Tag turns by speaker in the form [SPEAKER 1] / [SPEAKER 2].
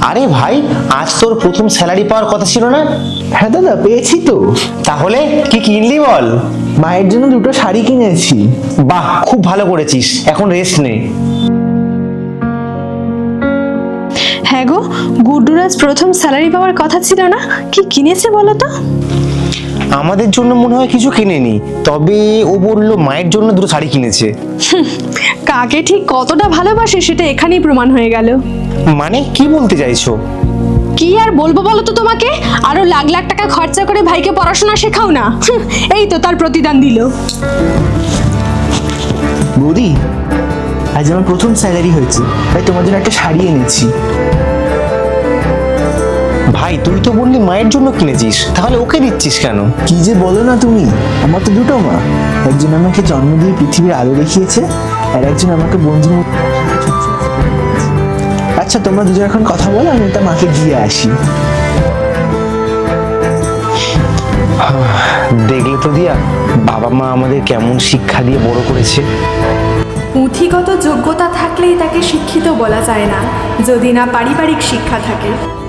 [SPEAKER 1] আরে ভাই, আজ তোর প্রথম স্যালারি পাওয়ার কথা ছিল না?
[SPEAKER 2] হ্যাঁ দাদা, পেয়েছি তো।
[SPEAKER 1] তাহলে কি কিনলি বল?
[SPEAKER 2] মায়ের জন্য দুটো শাড়ি কিনেছি।
[SPEAKER 1] বাহ, খুব ভালো করেছিস, এখন রেস্ট নে।
[SPEAKER 3] হ্যাঁ গো, গুড্ডুর আজ প্রথম স্যালারি পাওয়ার কথা ছিল না? কি কিনেছে বলো তো?
[SPEAKER 1] আমাদের জন্য মনে হয় কিছু কিনেনি, তবে ও বললো মায়ের জন্য দুটো শাড়ি কিনেছে।
[SPEAKER 3] কাকে ঠিক কতটা ভালোবাসে সেটা এখানেই প্রমাণ হয়ে গেল।
[SPEAKER 1] মানে কি বলতে চাইছো?
[SPEAKER 3] কি আর বলবো বলো তো তোমাকে, আরো লাখ লাখ টাকা খরচা করে ভাইকে পড়াশোনা শেখাও না। এই তো তার প্রতিদান দিল।
[SPEAKER 2] বৌদি, আজ আমার প্রথম স্যালারি হয়েছে, তাই তোমার জন্য একটা শাড়ি এনেছি।
[SPEAKER 1] ভাই, তুই তো বললি মায়ের জন্য কিনেছিস, তাহলে ওকে দিচ্ছিস কেন?
[SPEAKER 2] কি যে বলো না তুমি, আমার তো দুটো মা। একজন আমাকে জন্ম দিয়ে পৃথিবীর আলো দেখিয়েছে, আর একজন আমাকে বন্ধু। আচ্ছা, তোমরা দুজন এখন কথা বলো, আমি একটা মাকে দিয়ে আসি।
[SPEAKER 1] দেখলে তো দিয়া, বাবা মা আমাদের কেমন শিক্ষা দিয়ে বড় করেছে।
[SPEAKER 4] পুঁথিগত যোগ্যতা থাকলেই তাকে শিক্ষিত বলা যায় না, যদি না পারিবারিক শিক্ষা থাকে।